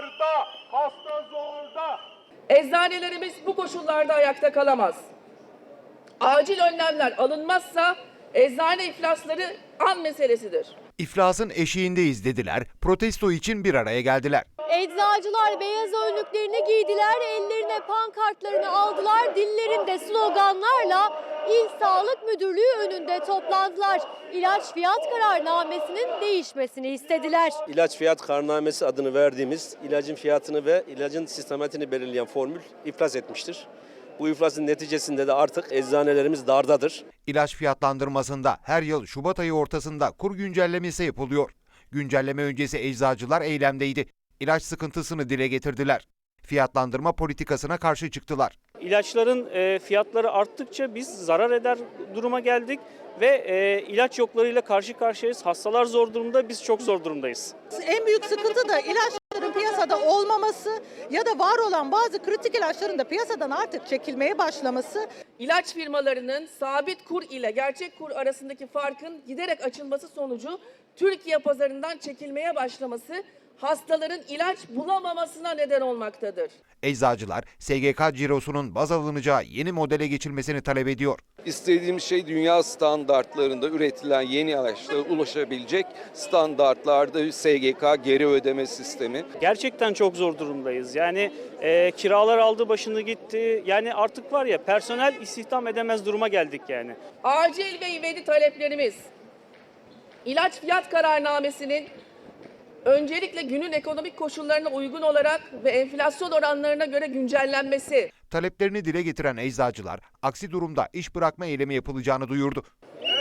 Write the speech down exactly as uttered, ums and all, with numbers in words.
darda, hasta zorda. Eczanelerimiz bu koşullarda ayakta kalamaz. Acil önlemler alınmazsa eczane iflasları an meselesidir. İflasın eşiğindeyiz dediler, protesto için bir araya geldiler. Eczacılar beyaz önlüklerini giydiler, ellerine pankartlarını aldılar, dillerinde sloganlarla İl Sağlık Müdürlüğü önünde toplandılar. İlaç fiyat kararnamesinin değişmesini istediler. İlaç fiyat kararnamesi adını verdiğimiz ilacın fiyatını ve ilacın sistematiğini belirleyen formül iflas etmiştir. Bu iflasın neticesinde de artık eczanelerimiz dardadır. İlaç fiyatlandırmasında her yıl Şubat ayı ortasında kur güncellemesi yapılıyor. Güncelleme öncesi eczacılar eylemdeydi. İlaç sıkıntısını dile getirdiler. Fiyatlandırma politikasına karşı çıktılar. İlaçların e, fiyatları arttıkça biz zarar eder duruma geldik ve e, ilaç yoklarıyla karşı karşıyayız. Hastalar zor durumda, biz çok zor durumdayız. En büyük sıkıntı da ilaçların piyasada olmaması ya da var olan bazı kritik ilaçların da piyasadan artık çekilmeye başlaması. İlaç firmalarının sabit kur ile gerçek kur arasındaki farkın giderek açılması sonucu Türkiye pazarından çekilmeye başlaması hastaların ilaç bulamamasına neden olmaktadır. Eczacılar S G K cirosunun baz alınacağı yeni modele geçilmesini talep ediyor. İstediğimiz şey dünya standartlarında üretilen yeni ilaçlara ulaşabilecek standartlarda S G K geri ödeme sistemi. Gerçekten çok zor durumdayız. Yani e, kiralar aldı başını gitti. Yani artık var ya personel istihdam edemez duruma geldik yani. Acil ve ivedi taleplerimiz ilaç fiyat kararnamesinin öncelikle günün ekonomik koşullarına uygun olarak ve enflasyon oranlarına göre güncellenmesi. Taleplerini dile getiren eczacılar aksi durumda iş bırakma eylemi yapılacağını duyurdu.